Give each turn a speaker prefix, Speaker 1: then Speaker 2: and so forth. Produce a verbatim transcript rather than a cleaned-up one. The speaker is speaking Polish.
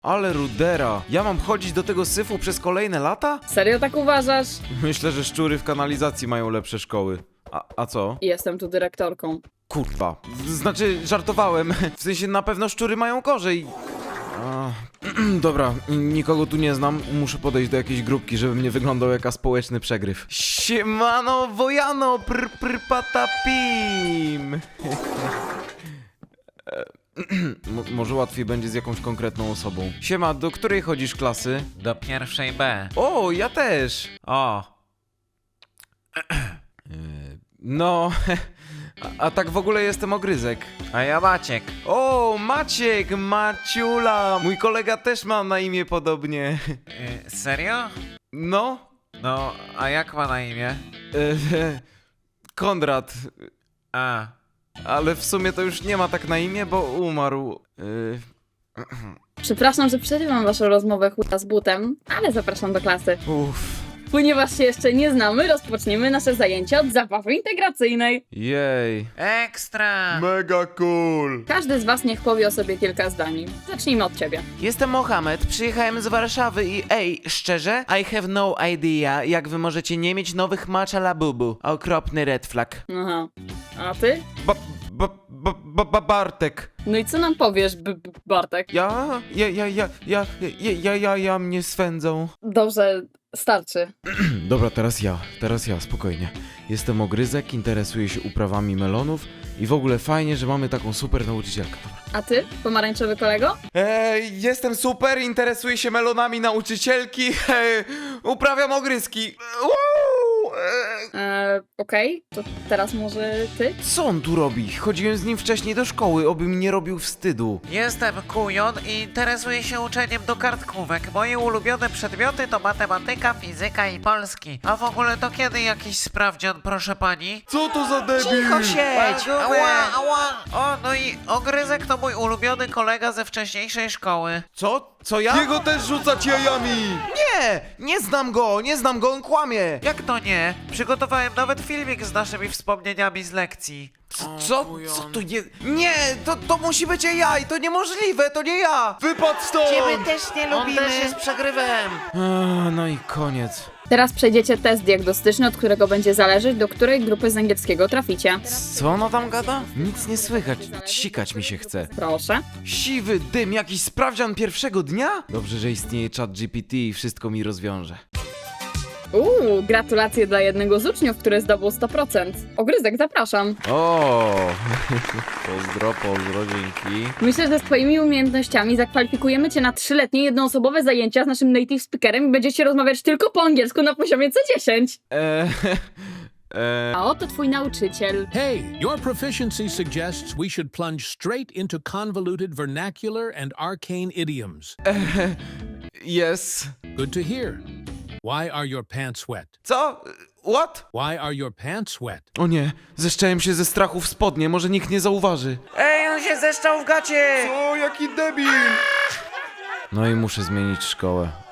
Speaker 1: Ale rudera. Ja mam chodzić do tego syfu przez kolejne lata?
Speaker 2: Serio tak uważasz?
Speaker 1: Myślę, że szczury w kanalizacji mają lepsze szkoły. A, a co?
Speaker 2: Jestem tu dyrektorką.
Speaker 1: Kurwa. Znaczy, żartowałem. W sensie, na pewno szczury mają gorzej. A, dobra, nikogo tu nie znam. Muszę podejść do jakiejś grupki, żebym nie wyglądał jak społeczny przegryw. Siemano, wojano, pr pr patapim. Mo- może łatwiej będzie z jakąś konkretną osobą. Siema, do której chodzisz klasy?
Speaker 3: Do pierwszej B.
Speaker 1: O, ja też.
Speaker 3: O,
Speaker 1: No, a, a tak w ogóle jestem Ogryzek.
Speaker 3: a ja Maciek.
Speaker 1: O, Maciek, Maciula. Mój kolega też ma na imię podobnie.
Speaker 3: Y, serio?
Speaker 1: No,
Speaker 3: No, a jak ma na imię?
Speaker 1: e, Konrad.
Speaker 3: A,
Speaker 1: Ale w sumie to już nie ma tak na imię, bo umarł. E,
Speaker 2: Przepraszam, że przerywam waszą rozmowę chuta z butem, ale zapraszam do klasy.
Speaker 1: uff,
Speaker 2: Ponieważ się jeszcze nie znamy, rozpoczniemy nasze zajęcia od zabawy integracyjnej.
Speaker 1: jej.
Speaker 3: ekstra!
Speaker 1: Mega cool.
Speaker 2: Każdy z was niech powie o sobie kilka zdań. Zacznijmy od ciebie.
Speaker 1: Jestem Mohamed, przyjechałem z Warszawy i ej, szczerze? I have no idea, jak wy możecie nie mieć nowych matcha labubu. Okropny red flag.
Speaker 2: Aha. A ty?
Speaker 1: Ba, ba, ba, ba, ba, Bartek.
Speaker 2: No i co nam powiesz, B -B Bartek?
Speaker 1: Ja? Ja, ja, ja, ja, ja, ja, ja, ja mnie swędzą.
Speaker 2: Dobrze, starczy.
Speaker 1: Dobra, teraz ja, teraz ja, spokojnie. Jestem Ogryzek, interesuję się uprawami melonów i w ogóle fajnie, że mamy taką super nauczycielkę. Dobra.
Speaker 2: A ty, pomarańczowy kolego?
Speaker 1: Ej, jestem super, interesuję się melonami nauczycielki, ej, uprawiam ogryzki. Uuu, ej.
Speaker 2: Eee, okej, to teraz może ty?
Speaker 1: Co on tu robi? Chodziłem z nim wcześniej do szkoły, oby mi nie robił wstydu.
Speaker 3: Jestem Kujon i interesuję się uczeniem do kartkówek. Moje ulubione przedmioty to matematyka, fizyka i polski. A w ogóle to kiedy jakiś sprawdzian, proszę pani?
Speaker 1: Co to za debil?
Speaker 3: Cicho siedź! Ała, ała! O, no i Ogryzek to mój ulubiony kolega ze wcześniejszej szkoły.
Speaker 1: Co? Co ja? Jego też rzucać jajami! Nie! Nie znam go, nie znam go, on kłamie!
Speaker 3: Jak to nie? Przygotowałem nawet filmik z naszymi wspomnieniami z lekcji.
Speaker 1: Co? Co to jest? Nie! To, to musi być A I! To niemożliwe! To nie ja! Wypadł stąd!
Speaker 3: też nie
Speaker 1: On też jest
Speaker 3: przegrywem.
Speaker 1: No i koniec.
Speaker 2: Teraz przejdziecie test diagnostyczny, od którego będzie zależeć, do której grupy z angielskiego traficie.
Speaker 1: Co ona tam gada? Nic nie słychać. Sikać mi się chce.
Speaker 2: Proszę.
Speaker 1: Siwy dym, jakiś sprawdzian pierwszego dnia? Dobrze, że istnieje czat G P T i wszystko mi rozwiąże.
Speaker 2: Uuu, gratulacje dla jednego z uczniów, który zdobył sto procent. Ogryzek, zapraszam.
Speaker 1: O, pozdro, pozdro, dzięki.
Speaker 2: Myślę, że z twoimi umiejętnościami zakwalifikujemy cię na trzyletnie jednoosobowe zajęcia z naszym native speakerem i będziecie rozmawiać tylko po angielsku na poziomie C dziesięć.
Speaker 1: Eee, eee,
Speaker 2: A oto twój nauczyciel.
Speaker 4: Hey, your proficiency suggests we should plunge straight into convoluted vernacular and arcane idioms.
Speaker 1: yes.
Speaker 4: Good to hear. Why are your pants wet?
Speaker 1: Co? What?
Speaker 4: Why are your pants wet?
Speaker 1: O nie, zeszczałem się ze strachu w spodnie, może nikt nie zauważy.
Speaker 3: Ej, on się zeszczał w gacie!
Speaker 1: O, jaki debil! No i muszę zmienić szkołę.